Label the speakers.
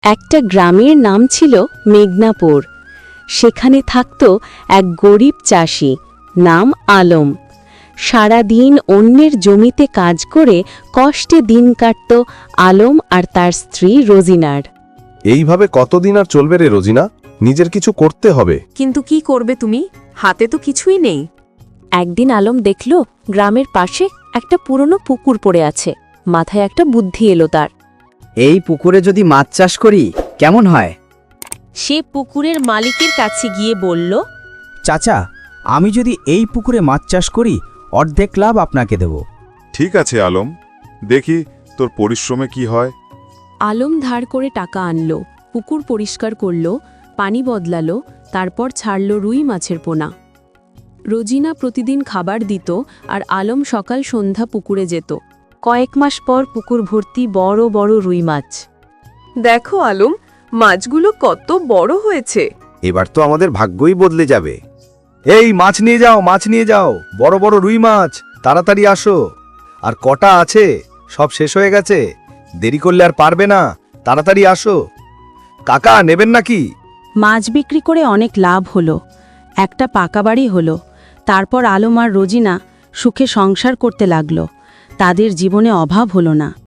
Speaker 1: একটা গ্রামের নাম ছিল মেঘনাপুর। সেখানে থাকত এক গরিব চাষি, নাম আলম। সারা দিন অন্যের জমিতে কাজ করে কষ্টে দিন কাটত আলম আর তার স্ত্রী রোজিনার।
Speaker 2: এইভাবে কতদিন আর চলবে রে রোজিনা? নিজের কিছু করতে হবে।
Speaker 3: কিন্তু কি করবে তুমি? হাতে তো কিছুই নেই।
Speaker 1: একদিন আলম দেখল গ্রামের পাশে একটা পুরনো পুকুর পড়ে আছে। মাথায় একটা বুদ্ধি এলো তার।
Speaker 4: এই পুকুরে যদি মাছ চাষ করি কেমন হয়?
Speaker 1: সে পুকুরের মালিকের কাছে গিয়ে বলল,
Speaker 5: চাচা, আমি যদি এই পুকুরে মাছ চাষ করি অর্ধেক লাভ আপনাকে দেব।
Speaker 6: ঠিক আছে আলম, দেখি তোর পরিশ্রমে কি হয়।
Speaker 1: আলম ধার করে টাকা আনলো, পুকুর পরিষ্কার করলো, পানি বদলালো, তারপর ছাড়ল রুই মাছের পোনা। রোজিনা প্রতিদিন খাবার দিত আর আলম সকাল সন্ধ্যা পুকুরে যেত। কয়েক মাস পর পুকুর ভর্তি বড় বড় রুই মাছ।
Speaker 3: দেখো আলম, মাছগুলো কত বড় হয়েছে।
Speaker 2: এবার তো আমাদের ভাগ্যই বদলে যাবে। এই মাছ নিয়ে যাও, মাছ নিয়ে যাও, বড় বড় রুই মাছ, তাড়াতাড়ি আসো। আর কটা আছে? সব শেষ হয়ে গেছে, দেরি করলে আর পারবে না, তাড়াতাড়ি আসো। কাকা নেবেন নাকি?
Speaker 1: মাছ বিক্রি করে অনেক লাভ হলো, একটা পাকা বাড়ি হলো। তারপর আলম আর রোজিনা সুখে সংসার করতে লাগলো। তাদের জীবনে অভাব হলো না।